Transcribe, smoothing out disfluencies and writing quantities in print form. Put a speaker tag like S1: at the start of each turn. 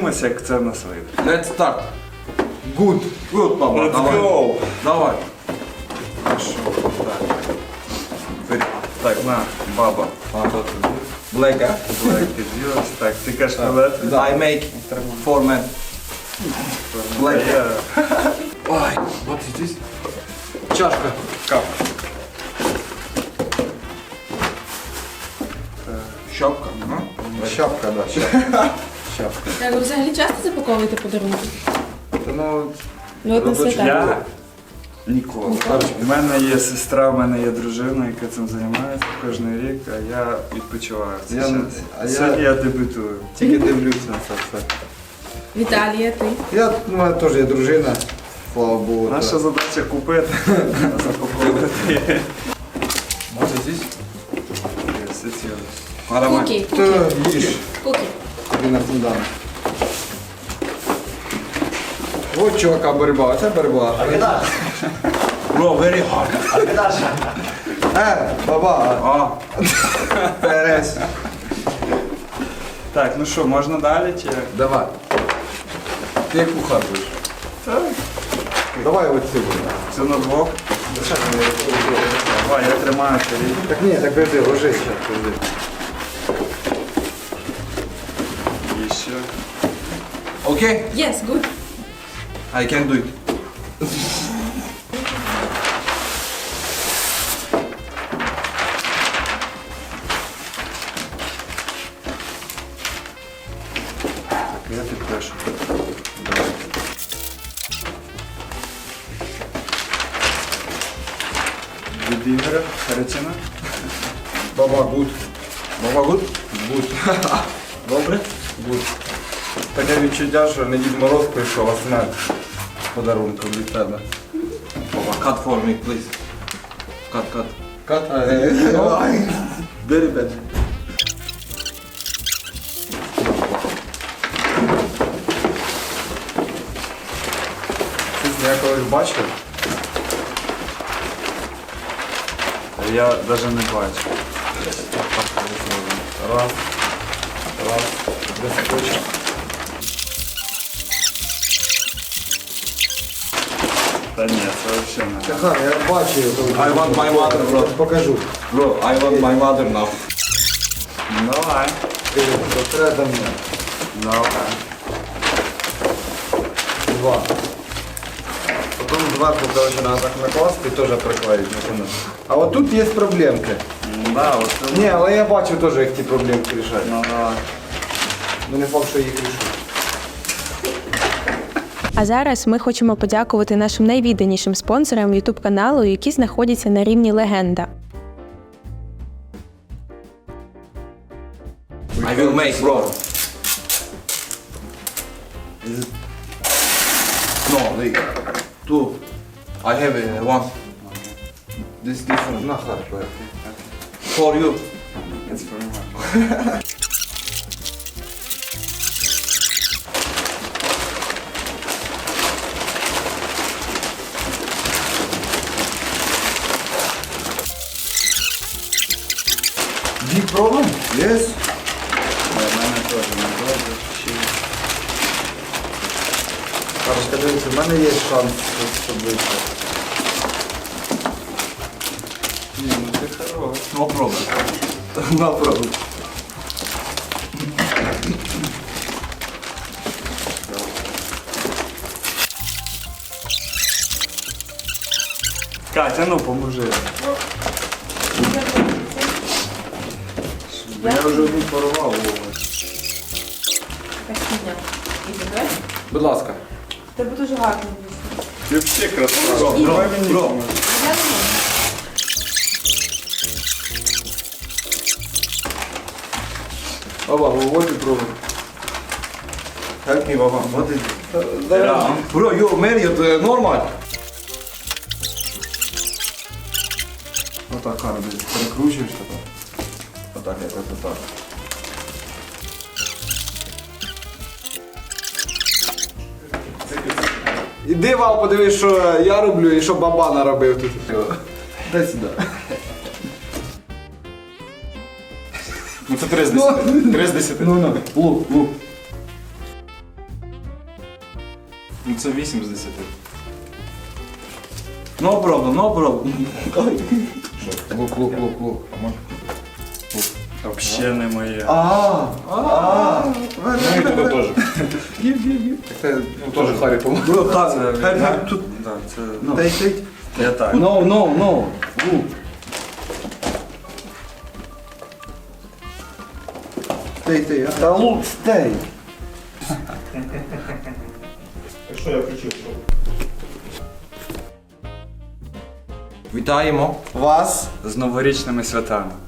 S1: подивимося, як це в нас вийде.
S2: Let's start. Good. Good, папа.
S1: Let's
S2: Давай.
S1: go.
S2: Давай.
S1: Хорошо. Так. Так, на, баба.
S2: Black, а?
S1: Black is yours. Так, ти кажеш рулет?
S2: I make for men. Black. Ой, what is this? Чашка.
S1: Кап.
S2: Шапка. Шапка, да, шапка. Шапка.
S3: Так, ви взагалі часто запаковуєте подарунки?
S2: Ну,
S3: Ну, от на
S2: робочий
S3: свята.
S1: Я ніколи. У мене є сестра, в мене є дружина, яка цим займається кожен рік, а я відпочиваю в цей
S2: Я-
S1: час.
S2: а я-
S1: Сьогодні я дебютую.
S2: тільки дивлюся на це все.
S3: Віталія, ти?
S2: Я, у мене теж є дружина, слава Богу.
S1: Наша задача купити, а запаковувати.
S2: Може здесь?
S1: Аромат.
S3: Куки,
S2: Та
S3: куки,
S2: їж.
S3: куки.
S2: Тобі на фундамент. От чувака боротьба, це боротьба. Bro, very hard. Баба.
S1: О,
S2: Перес.
S1: так, ну що, можна далі чи як?
S2: Давай. Ти як кухар будеш?
S1: Так.
S2: Давай оці буде.
S1: Це на двох. Давай, я тримаю тарілку.
S2: Так ні, так подожди, ложись ще, подожди.
S1: І ще.
S2: Окей?
S3: Yes, good.
S2: I can do it.
S1: Я підпишу. Від Ігоря, Харитіна.
S2: Баба, гуд. Баба, гуд? Гуд.
S1: Добре?
S2: Гуд. Таке відчуття, що не Дід Мороз прийшов, а смерть з подарунком від тебе.
S4: Baba, cut for me, please. Cut, cut.
S2: Кат?
S4: Very bad.
S2: Я колись бачив.
S1: Я навіть не бачу.
S2: Раз. Раз. Десь хоче.
S1: Та ні, це взагалі не.
S2: Ага, я бачив.
S4: I want my mother, bro.
S2: Покажу.
S4: Bro, I want my mother now.
S1: Давай.
S2: Ти треба до мене.
S1: Давай.
S2: Два. Потім зверху, короче, треба так накласти і теж приклеїти. А от тут є проблемки.
S1: Да, от це.
S2: Ні, але я бачив теж, як ті проблемки рішають.
S1: Ну, давай.
S2: Ну не факт, що їх рішуть.
S5: А зараз ми хочемо подякувати нашим найвідданішим спонсорам YouTube каналу, які знаходяться на рівні легенда.
S4: I will make, bro. No, wait. Two. I have one. This different.
S2: На харко.
S4: For you.
S1: It's for me.
S2: Big problem? Yes.
S1: У мене теж не добре.
S2: Хорошо, дивіться, в мене є шанс, щоб вийти.
S1: Ні, ну ти хорош.
S4: No problem.
S2: No problem.
S1: Катя, ну поможи. Я вже одну порвав.
S3: Спасибо. І тебе?
S2: Будь ласка.
S3: Тебе дуже гарно.
S1: Ти взагалі красава. Давай мені.
S3: Я не можу.
S2: Баба, виводь і пробуй.
S4: Help me, Baba. What is
S1: Yeah.
S4: Bro, you married normal.
S2: Отак, Кара, десь перекручуєш тепер.
S4: Отак, якось отак.
S2: Іди, Вал, подивись, що я роблю і що баба наробив тут. Дай сюди.
S1: Ну це 3 з 10. 3 з 10.
S2: Ну, лук.
S4: Ну це 8 з 10. No problem, no problem.
S2: Лук. А може?
S1: Взагалі не моє.
S2: Ну і туди теж. Ну теж Харі помогу.
S1: Це
S2: Тут.
S1: Да, це...
S2: Тей.
S1: Я так.
S2: No. Лук. Стей. Та лук, стей.
S4: Вітаємо.
S2: Вас.
S1: З новорічними святами.